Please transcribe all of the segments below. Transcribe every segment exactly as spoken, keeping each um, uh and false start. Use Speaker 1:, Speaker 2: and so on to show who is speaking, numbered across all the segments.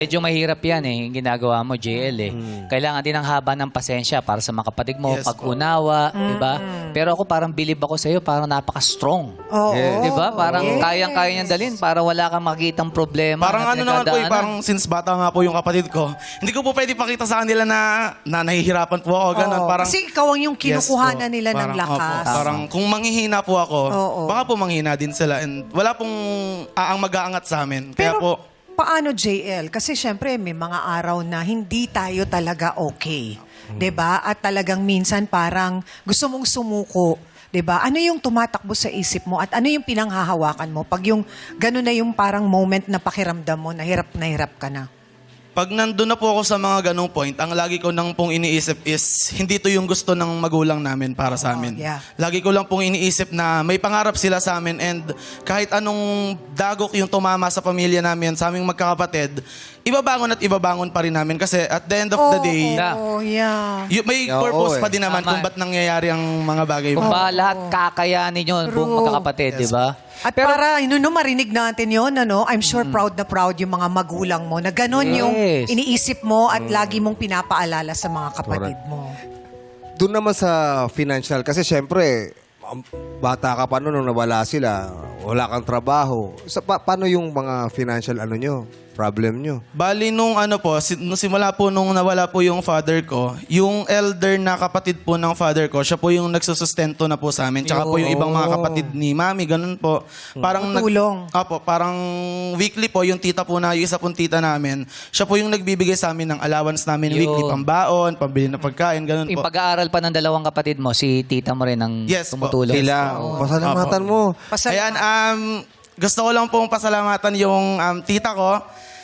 Speaker 1: Medyo mahirap yan eh, yung ginagawa mo, J L eh. Kailangan din ng haba ng pasensya para sa mga kapatid mo,
Speaker 2: Yes,
Speaker 1: pag-unawa, di ba? Pero ako parang bilib ako sa'yo, parang napaka-strong.
Speaker 3: Oo.
Speaker 1: Di ba? Parang
Speaker 3: Yes.
Speaker 1: kayang-kaya niyang dalhin para wala kang makitang problema.
Speaker 2: Parang
Speaker 1: na
Speaker 2: ano naman po eh,
Speaker 1: pinagdadaanan.
Speaker 2: parang since bata nga po yung kapatid ko, hindi ko po pwede pakita sa kanila na, na nahihirapan po ako, ganun.
Speaker 3: Oo.
Speaker 2: Parang,
Speaker 3: Kasi ikaw ang yung
Speaker 2: Yes
Speaker 3: kinukuhanan
Speaker 2: po.
Speaker 3: nila
Speaker 2: Parang,
Speaker 3: ng lakas.
Speaker 2: opo, parang kung manghihina po ako,
Speaker 3: Oo.
Speaker 2: baka po manghina din sila. And wala pong aang mag-aangat sa amin. Kaya
Speaker 3: Pero
Speaker 2: po,
Speaker 3: paano J L? Kasi syempre may mga araw na hindi tayo talaga okay. 'Di ba? At talagang minsan parang gusto mong sumuko. 'Di ba? Ano yung tumatakbo sa isip mo at ano yung pinanghahawakan mo pag yung gano'n na yung parang moment na pakiramdam mo na hirap na hirap ka na?
Speaker 2: pag nandun na po ako sa mga ganong point, ang lagi ko nang pong iniisip is, hindi to yung gusto ng magulang namin para sa amin.
Speaker 3: yeah.
Speaker 2: Lagi ko lang pong iniisip na may pangarap sila sa amin and kahit anong dagok yung tumama sa pamilya namin, sa aming magkakapatid, ibabangon at ibabangon pa rin namin kasi at the end of the day,
Speaker 3: Oh, yeah.
Speaker 2: y- may
Speaker 4: Oo,
Speaker 2: purpose
Speaker 4: eh.
Speaker 2: pa din naman
Speaker 1: Tama.
Speaker 2: kung ba't nangyayari ang mga bagay.
Speaker 1: Kung ba lahat kakayanin yun, buong
Speaker 3: True.
Speaker 1: magkakapatid, di ba?
Speaker 3: At para ano, no, marinig natin yon, ano, I'm sure proud na proud yung mga magulang mo na gano'n yung
Speaker 1: Yes.
Speaker 3: iniisip mo at lagi mong pinapaalala sa mga kapatid mo.
Speaker 4: Doon naman sa financial, kasi syempre, um, bata ka pa noon nung nawala sila, wala kang trabaho. Sa, pa- paano yung mga financial ano nyo, problem nyo?
Speaker 2: Bali nung ano po, si, nung simula po nung nawala po yung father ko, yung elder na kapatid po ng father ko, siya po yung nagsusustento na po sa amin. Tsaka po yung ibang mga kapatid ni mami, ganun po. Parang nag-
Speaker 3: Tulong.
Speaker 2: Apo, parang weekly po, yung tita po na, yung isa pong tita namin, siya po yung nagbibigay sa amin ng allowance namin
Speaker 1: Yun.
Speaker 2: weekly, pambaon, pambili ng pagkain, ganun
Speaker 1: Yung
Speaker 2: po.
Speaker 1: pag-aaral pa ng dalawang kapatid mo, si tita mo rin ang
Speaker 2: Yes po.
Speaker 1: tumutulong.
Speaker 4: Sila, pasalamatan mo.
Speaker 3: Pasalamat.
Speaker 2: Ayan, um, gusto ko lang pong pasalamatan yung um, tita ko,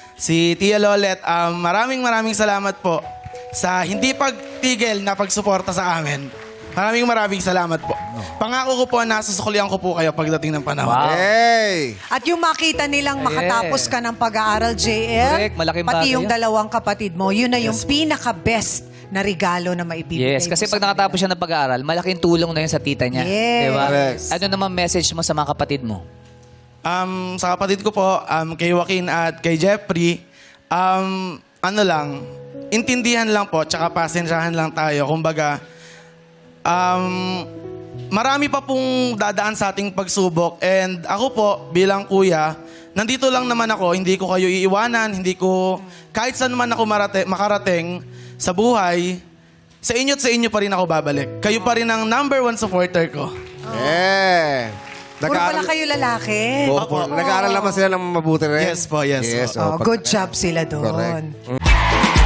Speaker 2: si Tia Lolet. Um, maraming maraming salamat po sa hindi pagtigil na pagsuporta sa amin. Maraming maraming salamat po. Pangako ko po na susuklian ko po kayo pagdating ng panahon.
Speaker 1: Wow.
Speaker 4: Hey!
Speaker 3: At yung makita nilang makatapos ka ng pag-aaral, J L,
Speaker 1: Correct, malaking
Speaker 3: pati
Speaker 1: bagay
Speaker 3: yung
Speaker 1: yun.
Speaker 3: dalawang kapatid mo, yun na yung pinaka-best na regalo na maibibigay
Speaker 1: Yes, kasi
Speaker 3: mo
Speaker 1: pag
Speaker 3: sa
Speaker 1: nakatapos siya ng pag-aaral, malaking tulong na yun sa tita niya.
Speaker 3: Yes.
Speaker 1: Di ba?
Speaker 4: Correct.
Speaker 1: Ano naman message mo sa mga kapatid mo?
Speaker 2: Um, sa kapatid ko po, um, kay Joaquin at kay Jeffrey, um, ano lang, intindihan lang po, tsaka pasensyahan lang tayo. Kumbaga, um, marami pa pong dadaan sa ating pagsubok. And ako po, bilang kuya, nandito lang naman ako, hindi ko kayo iiwanan, hindi ko, kahit saan man ako marate, makarating sa buhay, sa inyo at sa inyo pa rin ako babalik. Kayo pa rin ang number one supporter ko.
Speaker 4: Yeah!
Speaker 3: Puro pala kayo lalaki.
Speaker 4: Opo. Nag-aaral naman sila ng mabuti rin.
Speaker 2: Yes po, yes
Speaker 4: Yes,
Speaker 2: po.
Speaker 3: Oh,
Speaker 4: oh, pag-
Speaker 3: good job sila doon.
Speaker 4: Correct.